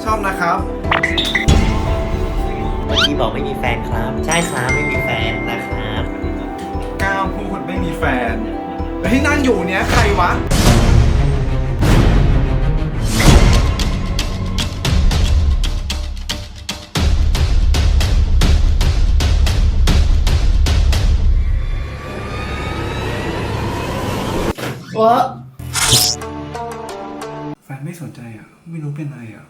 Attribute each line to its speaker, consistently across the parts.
Speaker 1: อบนะครับ
Speaker 2: เมื่อกี้บอกไม่มีแฟนครับใช่ครับไม่มีแฟนนะครับ
Speaker 1: ก้าวพูดไม่มีแฟนแล้วที่นั่งอยู่เนี้ยใครวะวะแฟนไม่สนใจอ่ะไม่รู้เป็นอะไรอ่ะ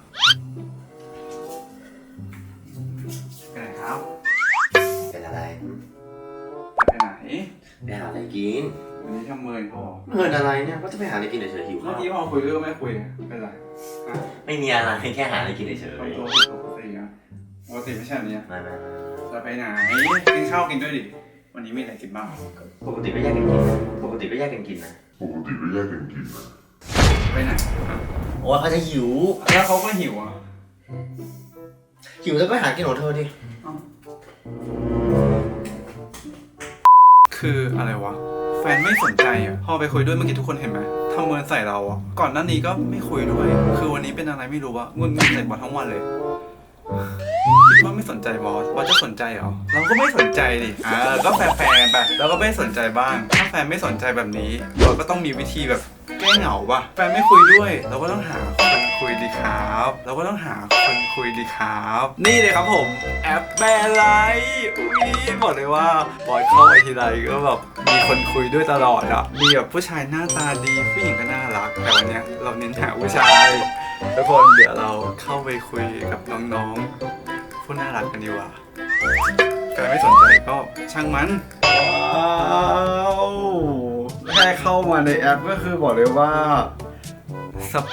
Speaker 1: ไปไหนครับ
Speaker 2: เป็นอะไร
Speaker 1: ไปไหน
Speaker 2: ไปหาอะไรกิน
Speaker 1: วันนี้ทำเมินพอ
Speaker 2: เงินอะไรเนี่ยก็จะไปหาอะไรกินเฉยๆหิว
Speaker 1: เมื่
Speaker 2: ข้า
Speaker 1: อ
Speaker 2: ว
Speaker 1: กี้พอคุยด้วยก็ไม่คุยเป็นไร
Speaker 2: ไม่มีอะไรแค่หาอะไรกินเฉย
Speaker 1: ทำตัวปกตินะปกติไม่ใช่แบบนี้
Speaker 2: ๆไม่
Speaker 1: จะไปไหนกินข้าวกินด้วยดิวันนี้มีอะไรกินบ้าง
Speaker 2: ปกติก็แยกกันกินปกติก็แยกกันกินนะ
Speaker 1: ไปไหน
Speaker 2: โอ้ยเขาจะหิว
Speaker 1: แล้วเขาก็หิวอ่ะ
Speaker 2: หิวแล้วก็หากินของเธอดิ
Speaker 1: คืออะไรวะแฟนไม่สนใจอ่ะพอไปคุยด้วยเมื่อกี้ทุกคนเห็นไหมทำเมินใส่เราอ่ะก่อนหน้านี้ก็ไม่คุยด้วยคือวันนี้เป็นอะไรไม่รู้วะงุนงิดใส่บอสทั้งวันเลยคิดว่าไม่สนใจบอสจะสนใจเหรอเราก็ไม่สนใจดิก็แฟร์ๆไปเราก็ไม่สนใจบ้างถ้าแฟนไม่สนใจแบบนี้เราก็ต้องมีวิธีแบบแก้เหงาป่ะแฟนไม่คุยด้วยเราก็ต้องหาคนคุยดีครับเราก็ต้องหาคนคุยดีครับนี่เลยครับผมแอปแบร์ไลท์อุ้ยบอกเลยว่าบอยเข้าไปทีไรก็แบบมีคนคุยด้วยตลอดอะมีแบบผู้ชายหน้าตาดีผู้หญิงก็น่ารักแต่วันเนี้ยเราเน้นหาผู้ชายทุกคนเดี๋ยวเราเข้าไปคุยกับน้องๆผู้น่ารักกันดีกว่าใครไม่สนใจก็ช่างมันว้าวแค่เข้ามาในแอปก็คือบอกเลยว่าสเป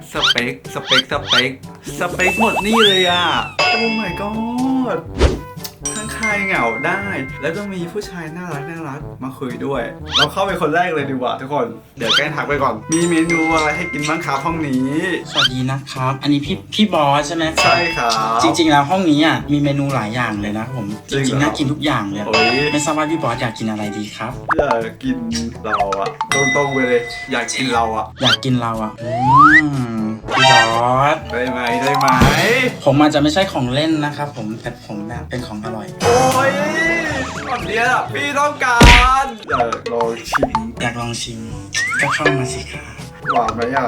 Speaker 1: คหมดนี่เลยอ่ะโอ้ my god ทั้งคลายเหงาได้ แล้วก็มีผู้ชายน่ารักมาคุยด้วย เราเข้าไปคนแรกเลยดีกว่าทุกคนเดี๋ยวแกล้งทักไปก่อนมีเมนูอะไรให้กินบ้างครับห้องนี้
Speaker 3: สวัสดีนะครับ อันนี้พี่บอสใช่ไหมครับ
Speaker 1: ใช่ครับ
Speaker 3: จริงๆแล้วห้องนี้อ่ะมีเมนูหลายอย่างเลยนะผม
Speaker 1: จริ
Speaker 3: จ
Speaker 1: งเหรอ
Speaker 3: ริงๆน่ากินทุกอย่างเลย
Speaker 1: โอ้ย
Speaker 3: ไม่ทราบว่าพี่บอสอยากกินอะไรดีครับ
Speaker 1: อยากกินเราอะตรงๆไปเลย อยากกินเราอะ
Speaker 3: อยากกินเราอ่ะพี่บอส
Speaker 1: ได้ไหม
Speaker 3: ผมอาจจะไม่ใช่ของเล่นนะครับผมแต่ผมแบบเป็นของอร่อย
Speaker 1: โอ้ยตอนเนี้ยพี่ต้องการอยากลองชิม
Speaker 3: อยากลองชิมก็เข้ามาสิครับ
Speaker 1: หวานไหมอ่ะ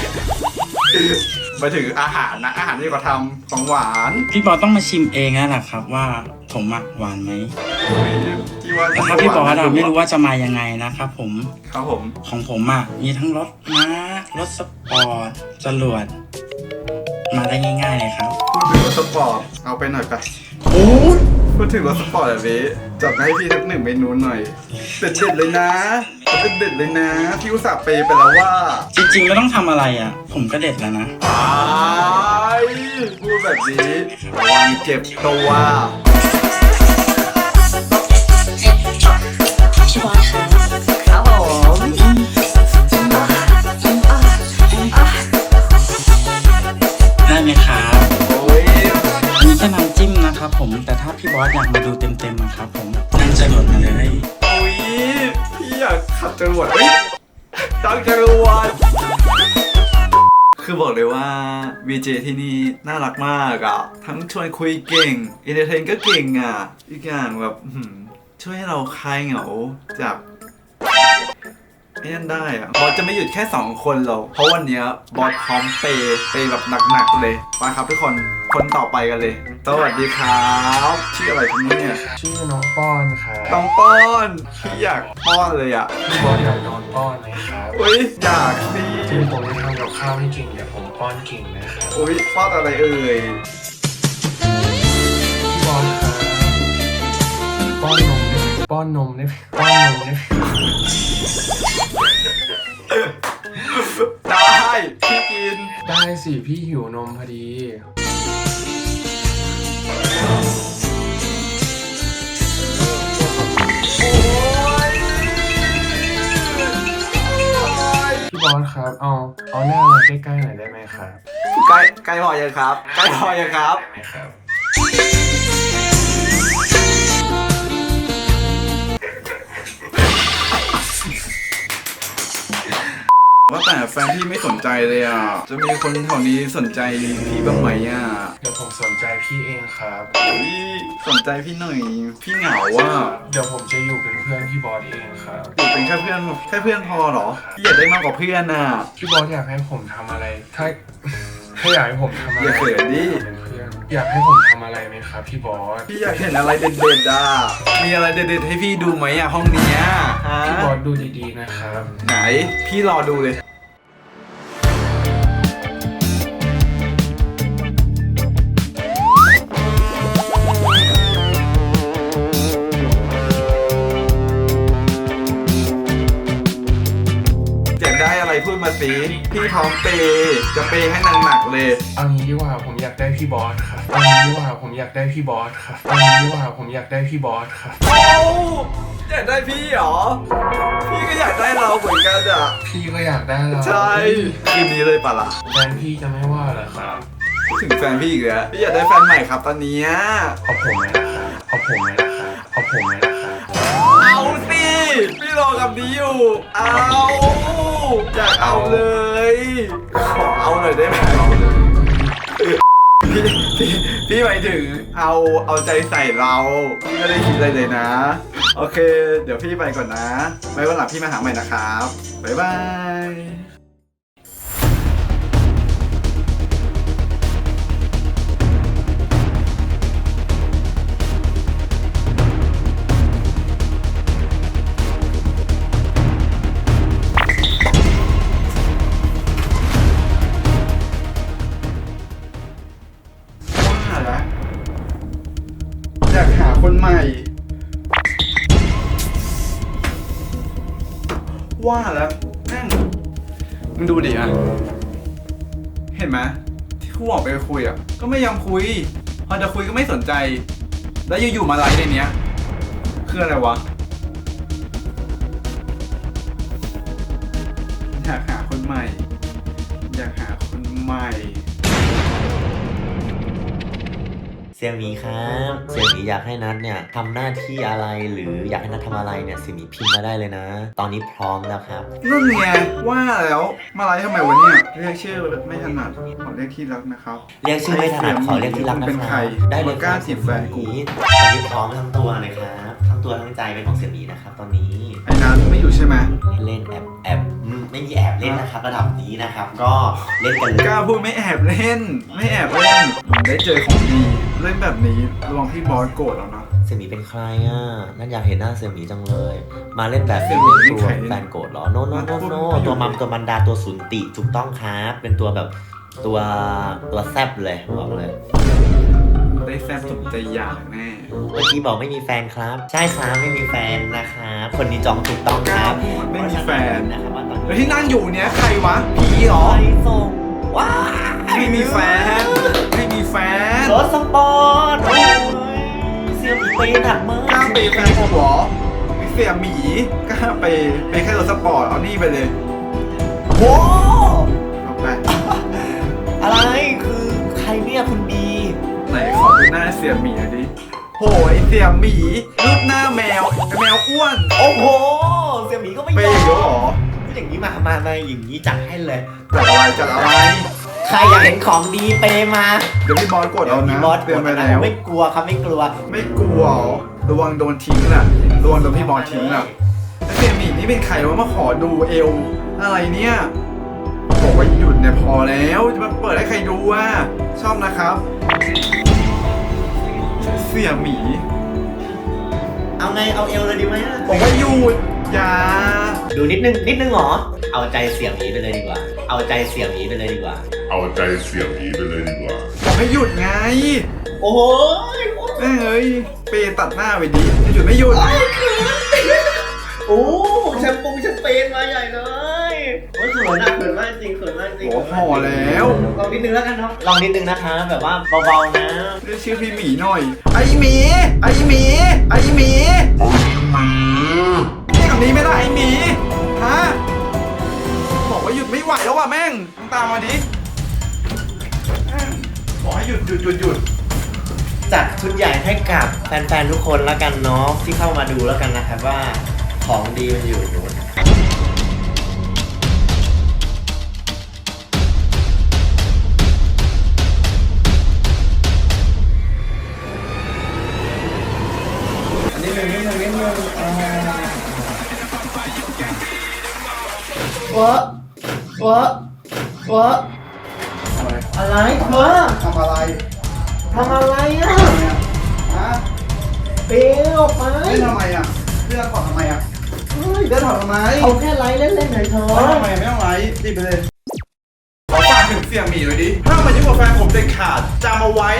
Speaker 1: มาถึงอาหารนะอาหารที่เขาทำของหวาน
Speaker 3: พี่บอสต้องมาชิมเองแล้วล่ะครับว่าผมอะหวานไหม
Speaker 1: โอ้ยที่ว่า
Speaker 3: แต่ถ้าพี่บอสอะไม่รู้ว่าจะมายังไงนะครับผม
Speaker 1: ครับผม
Speaker 3: ของผมอ่ะมีทั้งรถม้ารถสปอร์ตจรวดมาได้ง่ายๆเลยครับ
Speaker 1: พูดถึงรถสปอร์ตเอาไปหน่อยไป
Speaker 3: โอ้ย
Speaker 1: พูดถึงรถสปอร์ตแบบนี้จัดมาให้พี่สักหนึ่งเมนูหน่อยเด็ดๆเลยนะเด็ดๆเลยนะพี่อุตส่าห์เปย์ไปแล้วว่า
Speaker 3: จริงๆไม่ต้องทำอะไรอ่ะ ผมก็เด็ดแล้วนะ
Speaker 1: พูดแบบนี้ระวังเจ็บตัว
Speaker 4: พี่บอสคะครับผม
Speaker 3: ได้ไหมครับ
Speaker 1: โอ้ย
Speaker 3: อันนี้แค่น้ำจิ้มนะครับผมแต่ถ้าพี่บอสอยากมาดูเต็มๆนะครับผมนั่งจรวดมาเลย
Speaker 1: โอ้ยพี่อยากขับจรวดเฮ้ยตั้งจรวดคือบอกเลยว่า VJ ที่นี่น่ารักมากอ่ะทั้งชวนคุยเก่งอินเตอร์เทนก็เก่งอ่ะอีกอย่างแบบช่วยให้เราคลายเหงาจากไอ้นั่นได้อะบอสจะไม่หยุดแค่2คนหรอกเพราะวันเนี้ยบอสพร้อมเปย์แบบหนักๆเลยมาครับทุกคนคนต่อไปกันเลยสวัสดีครับชื่ออะไรครับเนี่ย
Speaker 5: ชื่อน้องป้อนครับ
Speaker 1: ต้องป้อนพี่อยากป้อนเลยอ่ะ
Speaker 5: พี่บอสอยากนอนป้อนไหมครับ
Speaker 1: อุ้ยอยากสิ
Speaker 5: ที่ผมจะทำกับข้าวให้กินเดี๋ยวผมป้อนกินนะครับ
Speaker 1: อุ้ยป้อนอะไรเอ่ย
Speaker 5: พี่บอสครับป้อนนมได้ไหมป้อนนมได้ไหม
Speaker 1: ได้พี่กิน
Speaker 5: ได้สิพี่หิวนมพอดีพี่บอสครับเอาหน้ามาใกล้ๆหน่อยได้ไหมครับ
Speaker 1: ใกล้พอยังครับใกล้พอยังครับ
Speaker 5: ได้ไหมครับ
Speaker 1: ว่าแต่แฟนพี่ไม่สนใจเลยอ่ะจะมีคนแถวนี้สนใจพี่บ้างไหมอ่ะ
Speaker 5: เดี๋ยวผมสนใจพี่เองครับ
Speaker 1: พี่สนใจพี่หน่อยพี่เหงาอ่ะ
Speaker 5: เดี๋ยวผมจะอยู่เป็นเพื่อนพี่บอสเองครับ
Speaker 1: อยู่เป็นแค่เพื่อนพอเหรอพี่อยากได้มากกว่าเพื่อนอ่ะ
Speaker 5: พี่บอสอยากให้ผมทำอะไร ถ้าอยากให้ผมทำอะไร
Speaker 1: อย่าเขินดิ
Speaker 5: เป็นเพื่อนอยากให้ผมทำอะไรไหมครับพี่บอส
Speaker 1: พี่อยากเห็นอะไรเด็ดๆอ่ะมีอะไรเด็ดๆให้พี่ดูไหมอ่ะห้องเนี้ยฮะ
Speaker 5: พี่บอสดูดีๆนะครับ
Speaker 1: ไหนพี่รอดูเลยอยากได้อะไรพูดมาสิพี่พร้อมเปย์จะเปย์ให้หนักๆเลย
Speaker 5: เอางี้ดีกว่าผมอยากได้พี่บอสครับเอางี้ดีกว่าผมอยากได้พี่บอสครับเอางี้ดีกว่าผมอยากได้พี่บอสครับ
Speaker 1: โอ้อยากได้พี่เหรอ พี่ก็อยากได้เราเหมือนกันอ่ะ
Speaker 5: พี่ก็อยากได้เรา
Speaker 1: ใช่คืนนี้เลยปะล่ะ
Speaker 5: แฟนพี่จะไม่ว่าเหรอครับ
Speaker 1: ถึงแฟนพี่อีกแล้วพี่อยากได้แฟนใหม่ครับตอนเนี้ย
Speaker 5: เอาผมไหมนะครับเอาผมไหมนะครับเอาผมไหมนะครับ
Speaker 1: เอาสิพี่รอกับนี้อยู่เอาอยากเอาเลยขอเอาหน่อยได้ไหม
Speaker 5: เอาเลย
Speaker 1: พี่หมายถึงเอาใจใส่เราพี่ไม่ได้คิดอะไรเลยนะ โอเค เดี๋ยวพี่ไปก่อนนะไว้วันหลังพี่มาหาใหม่นะครับบ๊ายบายว่าแล้วอยากหาคนใหม่ ว่าแล้วแม่งมึงดูดิอ่ะ เห็นไหมที่กูออกไปคุยอ่ะ ก็ไม่ยอมคุย พอจะคุยก็ไม่สนใจ แล้วอยู่ๆมาไลฟ์ในเนี้ย คืออะไรวะ อยากหาคนใหม่ อยากหาคนใหม่
Speaker 2: เสี่ยหมีครับเสี่ยหมีอยากให้นัทเนี่ยทำหน้าที่อะไรหรืออยากให้นัททำอะไรเนี่ยเสี่ยหมีพิมพ์มาได้เลยนะ ตอนนี้พร้อมแล้วครับ
Speaker 1: นั่นไงว่าแล้วมาไลฟ์ทำไมวะเนี่ยเรียกชื่อไม่ถนัดขอเรียกที่รักนะครับ
Speaker 2: เรียกชื่อไม่ถนัดขอเรียกที่รักนะ
Speaker 1: เป็น
Speaker 2: ค
Speaker 1: ใคร
Speaker 2: รับได้เลย
Speaker 1: กล้าจีบแฟนกู
Speaker 2: ตอนนี้พร้อมทั้งตัวเลยครับทั้งตัวทั้งใจเป็นของเสี่ยหมีนะครับตอนนี้
Speaker 1: ไอ้นั้นไม่อยู่ใช่ไหม
Speaker 2: เล่นแอบไม่มีแอบเล่นนะครับระดับนี้นะครับ ก็เล่นกันเลย
Speaker 1: กล้าพูดไม่แอบเล่น ไม่แอบเล่น ได้เจอของดีเล่นแบบนี้ระวังพี่บอสโกรธแล้วนะ
Speaker 2: เสี่ยหมีเป็นใครอ่ะนั่นอยากเห็นหน้าเสี่ยหมีจังเลย มาเล่นแบบนี้
Speaker 1: เสี่ยหมี
Speaker 2: ไม่
Speaker 1: นี่
Speaker 2: กลัว
Speaker 1: ใคร
Speaker 2: แฟนโกรธเหรอโนตัวมัมตัวมันดาตัวสุนติถูกต้องครับเป็นตัวแบบตัวแซบเลยบอกเลย
Speaker 1: ได้แฟนสมใจอยากแน่
Speaker 2: เมื่อกี้บอกไม่มีแฟนครับ ใช่ครับไม่มีแฟนนะครับคนนี้จองถูกต้องครับ
Speaker 1: ไม่มีแฟน
Speaker 2: นะครับว่าตอนนี้
Speaker 1: แล้วที่นั่งอยู่เนี้ยใครวะผีเหรอ
Speaker 2: ไปส่งว้า
Speaker 1: ไม่มีแฟน ไม่มีแฟน
Speaker 2: รถสปอร์ตโอ้ยเสี่ยหมีไปหนักมาก
Speaker 1: กล้าเปย์แฟนผมเหรอไม่เสียหมีกล้าเปย์แค่รถสปอร์ตเอานี่ไปเลย
Speaker 2: โว้
Speaker 1: เอาไป
Speaker 2: อะไรคือใครเนี่ยคุณบี
Speaker 1: ไหนขอดูหน้าเสียหมีหน่อยดิโหไอเสียหมีรูปหน้าแมวไอ้แมวอ้วน
Speaker 2: โอ้โหเสี่ยหมีก็ไม่
Speaker 1: เป
Speaker 2: ยอ
Speaker 1: ย์เยอะเหรอ
Speaker 2: มอย่างนี้มาอย่างนี้จัดให้เลย
Speaker 1: จัดอะไร
Speaker 2: ใครอยากเห็นของดีเปมา
Speaker 1: เดี๋ยวพี่บอสกดเอานะ
Speaker 2: บอส
Speaker 1: เตือนไปแล้ว
Speaker 2: ไม่กลัวครับไม่กลัว
Speaker 1: ไม่กลัวเหรอระวังโดนทิ้งน่ะระวังโดนพี่บอสทิ้งน่ะแล้วเสียหมีนี่เป็นใครวะมาขอดูเอวอะไรเนี่ยบอกว่าหยุดเนี่ยพอแล้วจะมาเปิดให้ใครดูอ่ะชอบนะครับ เสียหมี
Speaker 2: เอาไงเอาเอวเลยดีไหมอะ
Speaker 1: บอกว่าหยุดอย่า
Speaker 2: ดูนิดนึงเหรอเอาใจเสี่ยหมีไปเลยดีกว่า เอาใจเสี่ยหมีไปเลยดีกว่า
Speaker 6: เอาใจเสียงนี้ไปเลยดีกว่า
Speaker 1: บอกให้หยุดไง
Speaker 2: โอ้โห
Speaker 1: แม่งเอ้ยเปย์ตัดหน้าไปดิจะหยุดไม่หยุด
Speaker 2: โอ้แชมเปญมาใหญ่เลยโอ้ยเขินมากจริง
Speaker 1: โอ้ห่อแล้ว
Speaker 2: ลองนิดนึงแล้วกันเนาะลองนิดนึงนะคะแบบว่าเบาๆนะ
Speaker 1: เรียกชื่อพี่หมีหน่อย ไอหมี ไอหมี ไอหมีเรียกคำนี้ไม่ได้ไอหมี ฮะ บอกว่าหยุดไม่ไหวแล้วว่ะแม่งมึงตามมาดิแม่งบอกให้หยุด
Speaker 2: จัดชุดใหญ่ให้กับแฟนๆทุกคนแล้วกันเนาะที่เข้ามาดูแล้วกันนะครับว่าของดีมันอยู่อะไรเธอ
Speaker 3: ทำอะไร
Speaker 2: ทำอะไรอ่ะ
Speaker 3: ฮะ
Speaker 2: เปรี้ยวไป
Speaker 3: เล่นทำไมอ่ะเลือกถอดทำไมอ่ะเลือกถอดทำไม
Speaker 2: เอาแค่ไลฟ์เล่นๆหน่อยเธอ
Speaker 3: ไม่ทำไมไม่ต้องไลฟ์รีบไปเลย
Speaker 1: ขอฝากถึงเสี่ยหมีเลยดิห้ามมายุ่งกับแฟนผมเด็ดขาดจำเอาไว้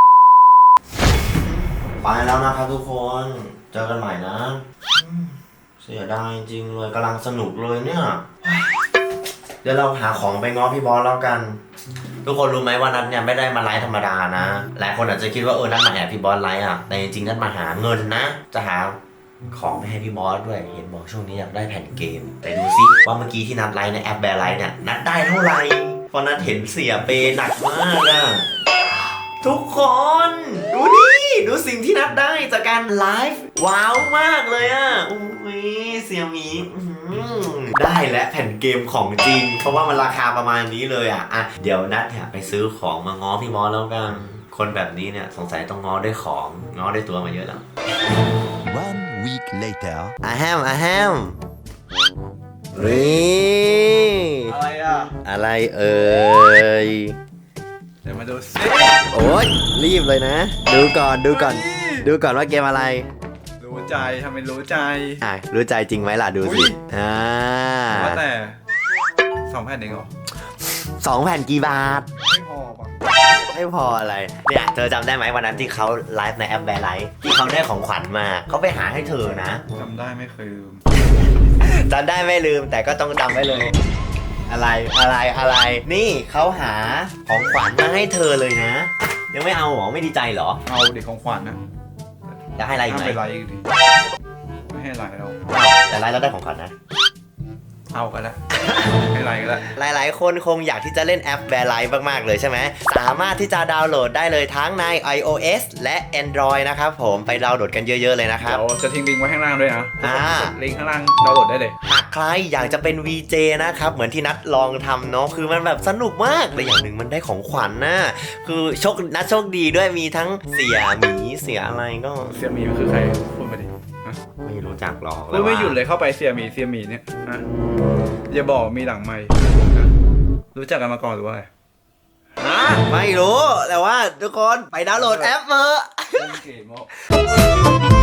Speaker 2: ไปแล้วนะครับทุกคนเจอกันใหม่นะเสียดายจริงเลยกำลังสนุกเลยเนี่ยเดี๋ยวเราหาของไปง้อพี่บอสแล้วกัน ทุกคนรู้ไหมว่านัทเนี่ยไม่ได้มาไลฟ์ธรรมดานะหลายคนอาจจะคิดว่านัทมาแอบพี่บอสไลฟ์อ่ะแต่จริงๆนัทมาหาเงินนะจะหาของไปให้พี่บอสด้วยเห็นบอกช่วงนี้อยากได้แผ่นเกมแต่ดูซิว่าเมื่อกี้ที่นัทไลฟ์ในแอปแบร์ไลฟ์เนี่ยนัทได้เท่าไหร่เพราะนัทเห็นเสียเปหนักมากอะทุกคนดูดิดูสิ่งที่นัทได้จากการไลฟ์ว้าวมากเลยอ่ะอุ้ยเสี่ยหมีได้และแผ่นเกมของจริงเพราะว่ามันราคาประมาณนี้เลยอ่ะเดี๋ยวนัทเนี่ยไปซื้อของมาง้อพี่บอสแล้วกันคนแบบนี้เนี่ยสงสัยต้องง้อด้วยของง้อด้วยตัวมาเยอะแล้ว
Speaker 7: One week later.
Speaker 2: อะแฮมนี่
Speaker 1: อะไรอ่ะ
Speaker 2: อะไรเอ่ย
Speaker 1: เดี๋ยวมาดูซิ
Speaker 2: โอ๊ยรีบเลยนะ ดูก่อนดูก่อนว่าเกมอะไร
Speaker 1: รู้ใจทำเป็นรู้ใจ
Speaker 2: รู้ใจจริงไหมล่ะดู
Speaker 1: อุ๊
Speaker 2: สิ
Speaker 1: ย ว่าแต่2 แผ่นเองเหรอ
Speaker 2: 2 แผ่นกี่บาท
Speaker 1: ไม่พอป่ะ
Speaker 2: ไม่พออะไร เนี่ยเธอจำได้ไหมวันนั้นที่เขาไลฟ์ในแอปแบร์ไลฟ์ที่เขาได้ของขวัญมาเขาไปหาให้เธอนะ
Speaker 1: จำได้ไม่เคยลืม
Speaker 2: จำได้ไม่ลืมแต่ก็ต้องจำไว้เลย อะไร นี่เขาหาของขวัญมาให้เธอเลยนะ ยังไม่เอาหรอไม่ดีใจหรอ
Speaker 1: เอาเด็กของขวัญนะ
Speaker 2: จะให้อะไรอีก
Speaker 1: ห้าม
Speaker 2: ไหม
Speaker 1: ไปไลฟ์อีกดิไม่ให้ไลฟ์เรา
Speaker 2: แต่ไลฟ์แล้วได้ของขวัญนะ
Speaker 1: เอากันละ ให้ไลฟ์กันละ
Speaker 2: หลายๆ คนคงอยากที่จะเล่นแอปแบร์ไลฟ์มากๆเลยใช่ไหมสามารถที่จะดาวน์โหลดได้เลยทั้งใน iOS และ Android นะครับผมไปดาวน์โหลดกันเยอะๆเลยนะครับ
Speaker 1: เดี๋ยวจะทิ้งลิงก์ไว้ข้างล่างด้วยนะ ลิงก์ข้างล่างดาวน์โหลดได้เลย
Speaker 2: หากใครอยากจะเป็น VJ นะครับเหมือนที่นัดลองทำเนาะคือมันแบบสนุกมากและอย่างหนึ่งมันได้ของขวัญนะคือนัดโชคดีด้วยมีทั้งเสียหมีเสียอะไรก็
Speaker 1: เสี่ยหมีมันคือใครพูดมาดิฮะ
Speaker 2: ไม่รู้จักหรอก
Speaker 1: พูดไม่หยุดเลยเข้าไปเสี่ยหมีเนี่ยฮะอย่าบอกมีหลังไมค์ฮะรู้จักกันมาก่อนหรือว่าไงฮะ
Speaker 2: ไม่รู้แต่ว่าทุกคนไปดาวน์โหลดแอปเถอะ
Speaker 1: เล่นเกม